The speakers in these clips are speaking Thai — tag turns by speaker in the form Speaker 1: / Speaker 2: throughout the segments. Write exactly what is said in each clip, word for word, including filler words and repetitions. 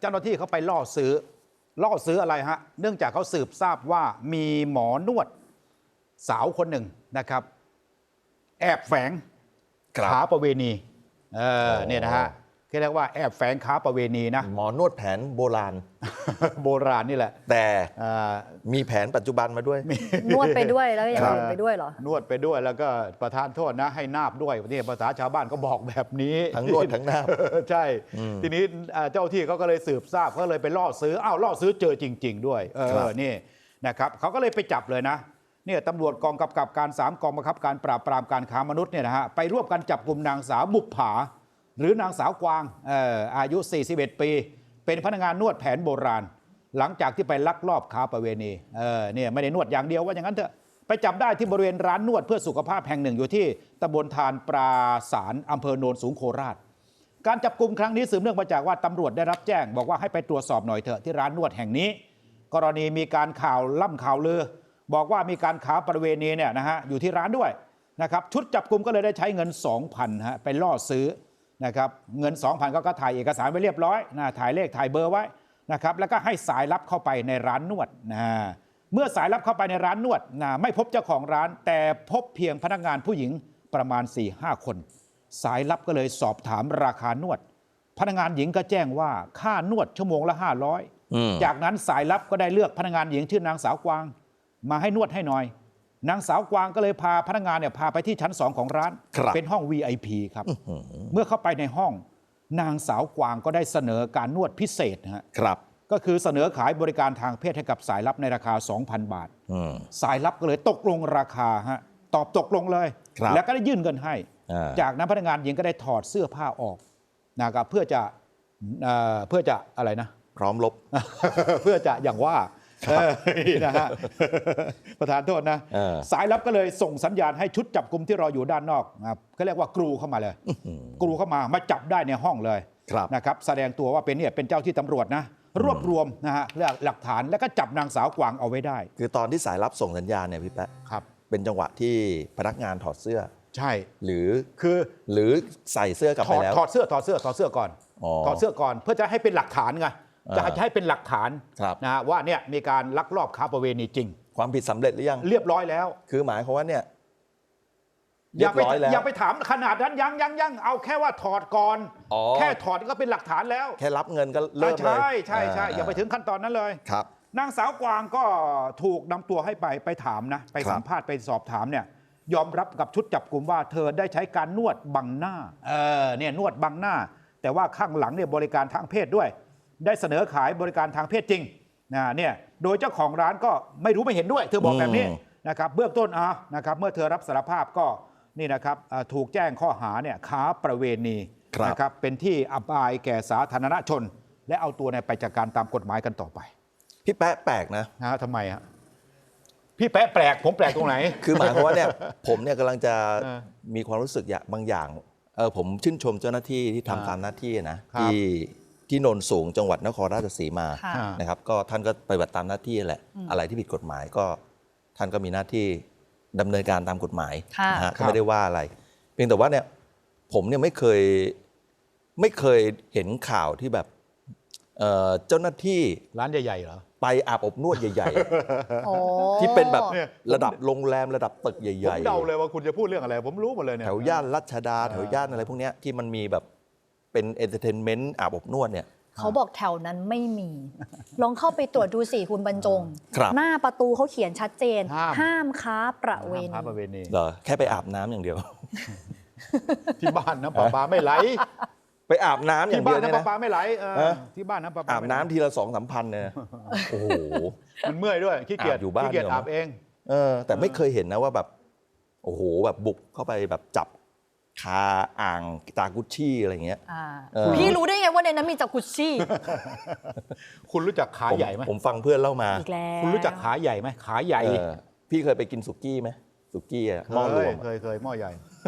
Speaker 1: เจ้าหน้าที่เขาไปล่อซื้อล่อซื้ออะไรฮะเนื่องจากเขาสืบทราบว่ามีหมอนวดสาวคนหนึ่งนะครับแอบแฝงค้าประเวณีเออเนี่ยนะฮะเรียกว่าแอบแฝงค้าประเวณีนะ
Speaker 2: หมอนวดแผนโบราณ
Speaker 1: โบราณนี่แหละ
Speaker 2: แต่มีแผนปัจจุบันมาด้วย
Speaker 3: นวดไปด้วยแล้วอย่างอื่นไปด้วยเหรอน
Speaker 1: วดไปด้วยแล้วก็ประทานโทษนะให้นาบด้วยนี่ภาษาชาวบ้านก็บอกแบบนี้
Speaker 2: ทั้งนวดทั้งนาบ
Speaker 1: ใช่ทีนี้เจ้าที่เขาก็เลยสืบทราบเขาเลยไปล่อซื้ออ้าวล่อซื้อเจอจริงๆด้วยเออนี่นะครับเขาก็เลยไปจับเลยนะเนี่ยตำรวจกองกำกับการสามกองบังคับการปราบปรามการค้ามนุษย์เนี่ยนะฮะไปร่วมกันจับกลุ่มนางสาวบุปผาหรือนางสาวกวางเอ่ออายุสี่สิบเอ็ดปีเป็นพนักงานนวดแผนโบราณหลังจากที่ไปลักลอบค้าประเวณีเออเนี่ยไม่ได้นวดอย่างเดียวว่าอย่างนั้นเถอะไปจับได้ที่บริเวณร้านนวดเพื่อสุขภาพแห่งหนึ่งอยู่ที่ตำบลทานปราสารอำเภอโนนสูงโคราชการจับกลุ่มครั้งนี้สืบเนื่องมาจากว่าตำรวจได้รับแจ้งบอกว่าให้ไปตรวจสอบหน่อยเถอะที่ร้านนวดแห่งนี้กรณีมีการข่าวล่ำข่าวลือบอกว่ามีการค้าประเวณีเนี่ยนะฮะอยู่ที่ร้านด้วยนะครับชุดจับกลุ่มก็เลยได้ใช้เงิน สองพัน ฮะไปล่อซื้อนะครับเงิน สองพัน ก็ก็ถ่ายเอกสารไว้เรียบร้อยนะถ่ายเลขถ่ายเบอร์ไว้นะครับแล้วก็ให้สายลับเข้าไปในร้านนวดนะเมื่อสายลับเข้าไปในร้านนวดนะไม่พบเจ้าของร้านแต่พบเพียงพนักงานผู้หญิงประมาณ สี่ห้า คนสายลับก็เลยสอบถามราคานวดพนักงานหญิงก็แจ้งว่าค่านวดชั่วโมงละห้าร้อยจากนั้นสายลับก็ได้เลือกพนักงานหญิงชื่อนางสาวกวางมาให้นวดให้หน่อยนางสาวกวางก็เลยพาพนักงานเนี่ยพาไปที่ชั้นสองของร้านเป็นห้อง วี ไอ พี ครับเมื่อเข้าไปในห้องนางสาวกวางก็ได้เสนอการนวดพิเศษนะครับก็คือเสนอขายบริการทางเพศให้กับสายลับในราคา สองพัน บาทสายลับก็เลยตกลงราคาฮะตอบตกลงเลยแล้วก็ได้ยื่นเงินให้จากนั้นพนักงานหญิงก็ได้ถอดเสื้อผ้าออกนะครับเพื่อจะเพื่อจะอะไรนะ
Speaker 2: พร้อมลบ
Speaker 1: เพื่อจะอย่างว่านะฮะประธานโทษนะสายลับก็เลยส่งสัญญาณให้ชุดจับกลุ่มที่รออยู่ด้านนอกนะครับเขาเรียกว่ากรูเข้ามาเลยกรูเข้ามามาจับได้ในห้องเลยนะครับแสดงตัวว่าเป็นเนี่ยเป็นเจ้าที่ตำรวจนะรวบรวมนะฮะหลักฐานแล้วก็จับนางสาวกวางเอาไว้ได้
Speaker 2: คือตอนที่สายลับส่งสัญญาณเนี่ยพี่แป๊ะ
Speaker 1: ครับ
Speaker 2: เป็นจังหวะที่พนักงานถอดเสื้อ
Speaker 1: ใช่
Speaker 2: หรือ
Speaker 1: คือ
Speaker 2: หรือใส่เสื้อกลับไปแล้ว
Speaker 1: ถอดเสื้อถอดเสื้อถอดเสื้อก่อนถอดเสื้อก่อนเพื่อจะให้เป็นหลักฐานไงจะให้เป็นหลักฐานนะว่าเนี่ยมีการลักลอบค้าประเวณีจริง
Speaker 2: ความผิดสำเร็จหรือยัง
Speaker 1: เรียบร้อยแล้ว
Speaker 2: คือหมายความว่าเนี่ย
Speaker 1: อย่าไปอย่าไปถามขนาดนั้นยังยังยังเอาแค่ว่าถอดก่อนแค่ถอดก็เป็นหลักฐานแล้ว
Speaker 2: แค่รับเงินก็เริ่มเลย
Speaker 1: ใช่ใช่ใช่อย่าไปถึงขั้นตอนนั้นเลย
Speaker 2: ครับ
Speaker 1: นางสาวกวางก็ถูกนำตัวให้ไปไปถามนะไปสัมภาษณ์ไปสอบถามเนี่ยยอมรับกับชุดจับกลุ่มว่าเธอได้ใช้การนวดบังหน้าเออเนี่ยนวดบังหน้าแต่ว่าข้างหลังเนี่ยบริการทางเพศด้วยได้เสนอขายบริการทางเพศจริงนะเนี่ยโดยเจ้าของร้านก็ไม่รู้ไม่เห็นด้วยเธอบอกแบบนี้นะครับเบื้องต้นอ่ะนะครับเมื่อเธอรับสารภาพก็นี่นะครับถูกแจ้งข้อหาเนี่ยค้าประเวณีนะครับเป็นที่อับอายแก่สาธารณชนและเอาตัวเนี่ยไปจัดการตามกฎหมายกันต่อไป
Speaker 2: พี่แป๊ะแปลกนะ
Speaker 1: นะทำไมฮะพี่แป๊ะแปลกผมแปลกตรงไหน
Speaker 2: คือหมายความว่าเนี่ยผมเนี่ยกำลังจะมีความรู้สึกอย่างบางอย่างเออผมชื่นชมเจ้าหน้าที่ที่ทำตามหน้าที่นะที่ที่โนนสูงจังหวัดนครราชสีมานะครับก็ท่านก็ปฏิบัติตามหน้าที่แหละอะไรที่ผิดกฎหมายก็ท่านก็มีหน้าที่ดำเนินการตามกฎหมายนะฮะก็ไม่ได้ว่าอะไรเพียงแต่ว่าเนี่ยผมเนี่ยไม่เคยไม่เคยเห็นข่าวที่แบบเจ้าหน้าที่
Speaker 1: ร้านใหญ่ๆเหรอ
Speaker 2: ไปอาบอบนวดใหญ่ๆที่เป็นแบบระดับโรงแรมระดับตึกใหญ่ๆ
Speaker 1: ผมเดาเลยว่าคุณจะพูดเรื่องอะไรผมรู้หมดเลยเนี่ย
Speaker 2: แถวย่านรัชดาแถวย่านอะไรพวกนี้ที่มันมีแบบเป็นเอนเตอร์เทนเมนต์อาบอบนวดเนี่ย
Speaker 3: เขาบอกแถวนั้นไม่มีลองเข้าไปตรวจดูสิคุณบรรจงหน้าประตูเขาเขียนชัดเจนห้ามค้าประเวณี
Speaker 2: เหรอแค่ไปอาบน้ำอย่างเดียว
Speaker 1: ที่บ้านน้ำประปาไม่ไหล
Speaker 2: ไปอาบน้ำอย่างเดียว
Speaker 1: ที่บ้านน้ำประปาไม่ไหลที่บ้านน้ำประปา
Speaker 2: อาบน้ำทีละสองสามพันเนี่ยโอ้โห
Speaker 1: มันเมื่อยด้วยขี้เกียจ
Speaker 2: อยู่บ้าน
Speaker 1: ขี้เกียจอาบเอง
Speaker 2: เออแต่ไม่เคยเห็นนะว่าแบบโอ้โหแบบบุกเข้าไปแบบจับคาอ่างจากุชชี่อะไรเงี้ย
Speaker 3: พี่รู้ได้ไงว่าในนั้นมีจากุชชี่
Speaker 1: คุณรู้จักขาใหญ่ไหม
Speaker 2: ผมฟังเพื่อนเล่ามา
Speaker 1: คุณรู้จักขาใหญ่ไหมขาใหญ่
Speaker 2: พี่เคยไปกินสุกี้ไหมสุกี้อะหม้อรวม
Speaker 1: เคยเคยหม้อใหญ่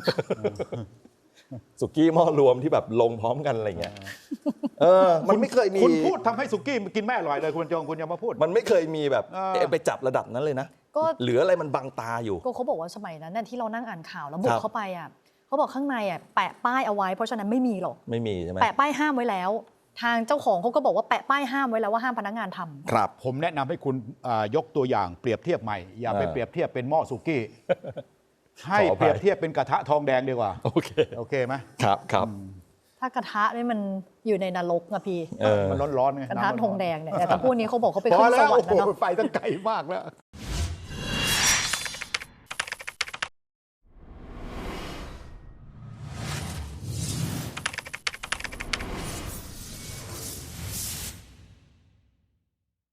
Speaker 2: สุกี้หม้อรวมที่แบบลงพร้อมกันอะไรเงี้ยเออมันไม่เคยมี
Speaker 1: คุณพูดทำให้สุกี้กินไม่อร่อยเลยคุณจงคุณอย่ามาพูด
Speaker 2: มันไม่เคยมีแบบไปจับระดับนั้นเลยนะก็เหลืออะไรมันบังตาอยู่
Speaker 3: ก็เขาบอกว่าสมัยนั้นที่เรานั่งอ่านข่าวแล้วบุกเข้าไปอ่ะเขาบอกข้างในอ่ะแปะป้ายเอาไว้เพราะฉะนั้นไม่มีหรอก
Speaker 2: ไม่มีใช่ไหม
Speaker 3: แปะป้ายห้ามไว้แล้วทางเจ้าของเขาก็บอกว่าแปะป้ายห้ามไว้แล้วว่าห้ามพนักงานทำ
Speaker 2: ครับ
Speaker 1: ผมแนะนำให้คุณอ่ายกตัวอย่างเปรียบเทียบใหม่ อย่าไป
Speaker 2: เออ
Speaker 1: เปรียบเทียบเป็นหม้อสุกี้ ให้
Speaker 2: ขออภัย
Speaker 1: เปรียบเทียบเป็นกระทะทองแดงดีกว่า
Speaker 2: โอเค
Speaker 1: โอเคไหม
Speaker 2: ครับครับ
Speaker 3: ถ้ากระทะนี่มันอยู่ในนรกอะพี่
Speaker 2: เออ
Speaker 1: มันร้อนๆไง
Speaker 3: กระทะ
Speaker 1: น้ำมัน
Speaker 3: ทองแดงเนี่ยแต่ถ้าพวกนี้เขาบอกเขาไป
Speaker 1: พอ
Speaker 3: ขึ้นส
Speaker 1: แล้ว
Speaker 3: วร
Speaker 1: โอ้
Speaker 3: รค์
Speaker 1: โห
Speaker 3: แล้วเนาะ
Speaker 1: ไฟตั้งไกลมากแล้ว